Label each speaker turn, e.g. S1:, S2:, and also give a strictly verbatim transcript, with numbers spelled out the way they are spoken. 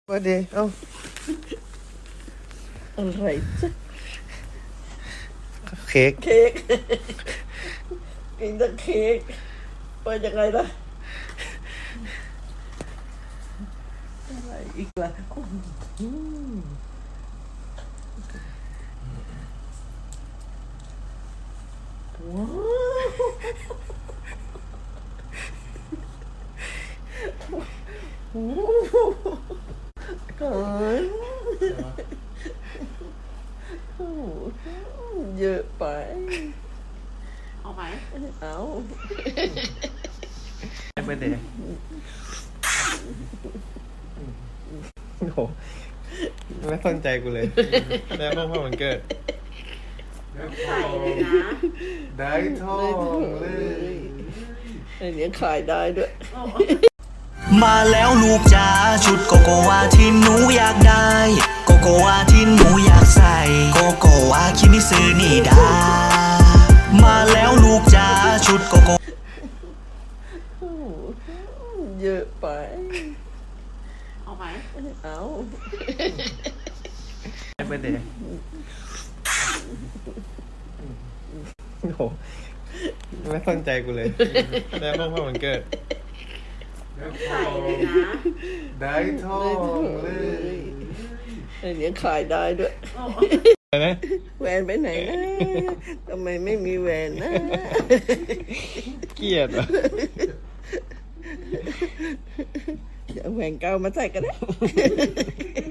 S1: มาดีเอ้าอะไรจ๊ะเค้กเค้กกินแต่เค้กไปยังไงล่ะอะไรอีกล่ะอืมว้าวก่อนเยอะไปเอาไหมเอาไม่เด็กโอ้โหไม่สนใจกูเลยได้พ่อพ่อมันเกิด
S2: ใส่เลยนะ
S1: ได้ทองเลยไอ้เนี้ยขายได้ด้วย
S3: มาแล้วลูกจ๋าชุดโกโกวาที่หนูอยากได้โกโกวาที่หนูอยากใส่โกโกวาคิมิซึนี่ดามาแล้วลูกจ๋าชุดโกโก
S1: เยอะไป
S2: เอาไหม
S1: เอาไม่เด็กโอ้โหไม่สนใจกูเลยได้พ่อพ่อมันเกิด
S2: ใส่เลยนะ
S1: ได้ทองเลยไอ้เนี้ยขายได้ด้วยแหวนไปไหนนะทำไมไม่มีแหวนนะเกลียดอ่ะเดี๋ยวแหวนเก่ามาใส่กันได้